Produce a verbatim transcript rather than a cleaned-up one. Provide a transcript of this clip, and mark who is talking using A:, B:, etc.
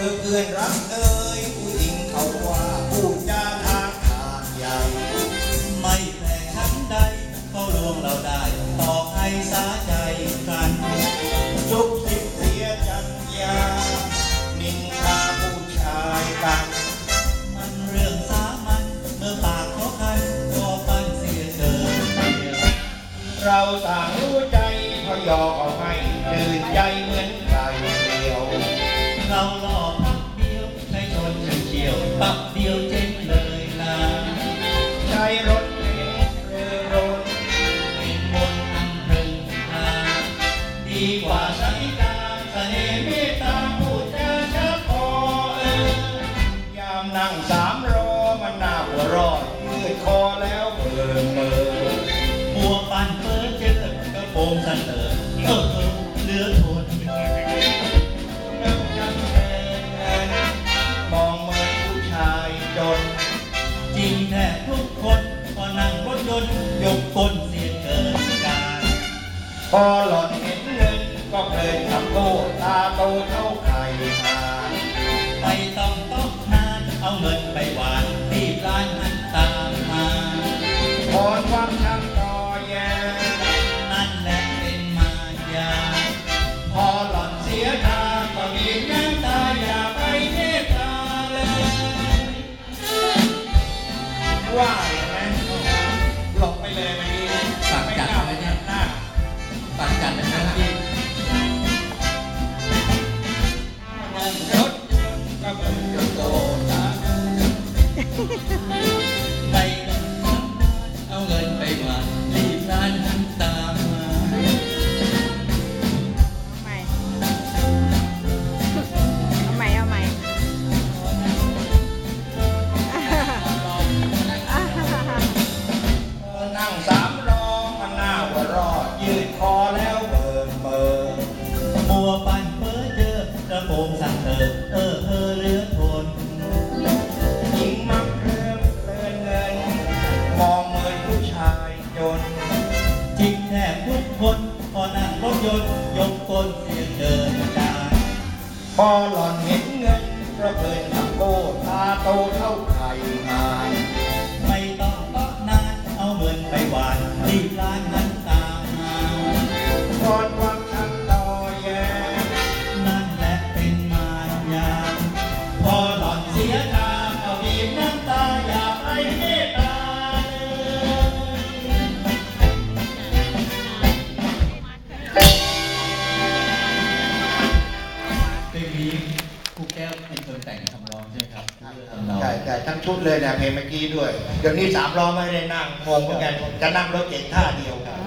A: อเพื่อนรักเอ่ยผู้หญิงเขาว่าพูดจาทางทางใหญ่
B: ไม่แพ้ชั้นใดเขาลวงเราได้ต่อให้สาใจกัน
A: ซุบซิบเสียจัญญานินทาผู้ชายกัน
B: มันเรื่องสามัญเมื่อปากเขาคันก็ปันเสียเกิน
A: เราต่างรู้ใจพอยอเอาให้ตื่นใจเหมือนไก่เดียว
B: เราหล่อพักเดียวในชนเฉียวปักเดียวเจ๊งเลยนะ
A: ใช้รถเก๋งเรือรถ
B: เป็นมนต์อันหนึ่งนาดีกว่าสายตาเสน่ห์เมตตาพูดจาชักคอเอ
A: อยามนั่งสามรอมันน่าหัวรอดยืดคอแล้วเบิ่งเบิ่ง
B: มัวปั่นเพ้อเจอกระโปรงสันเตอเออเออเหลือทน
A: มองเหมือนผู้ชายจน
B: จริงแท้ทุกคนพอนั่งรถยนต์ยกคนเสียเกินการ
A: พอหล่อนเห็นเงินก็เพลินทำโก้ตาโตเท่าไข่หาน
B: ไม่ต้องต้องนานเอาเงินไปหวานรีบร้านนั้นตามมา
A: พรความชักต่อแย่
B: นั่นแหละเป็นมายา
A: พอหล่อนเสียทางก็มีน้ำตาอย่าไปเมตตาเลยว่าอย่างนั้นหลบไปเลยมันนี้
B: ตัดจัดเลยเนี่ยตัดจัดนะครับพี่
A: รถยนต์ก็เป็นยนต์โตตา
B: ไปเอาเงินไปหวานรีบร้านนั้นตามมา
C: เอาใหม่เอาใหม่
A: นั่งสามล้อมันหน้าหัวรอดยืดคอแล้วเบิ่งเบิ่ง
B: มัวปั่นเพ้อเจอกระโปรงสั่นเติบเออเออเหลือทน
A: หญิงมักเริ่มเพลินเงินมองเหมือนผู้ชายจน
B: จริงแทบทุกคนพอนั่งรถยนต์ยกก้นเสียเกินการ
A: พอหล่อนเห็นเงินก็เพลินทำโก้ตาโตเท่าไข่หาน
B: ไม่ต้องต้องนานเอาเงินไปหวานรีบร้านนั้นตามมา
A: พรความชักต่อแย่
B: นั่นแหละเป็นมายาพอหล่อนเสียทางก็บีบน้ำตาอย่าไปเมตตาเพลงนี้ครูแก้วเป็นคนแต่งคำร้องใช่ไหมครับ
A: ใช่ใช่ทั้งชุดเลยเนี่ยเพลงเมื่อกี้ด้วยเดี๋ยวนี้สามล้อไม่ได้นั่งงงเหมือนกันจะนั่งรถเก๋งท่าเดียวกัน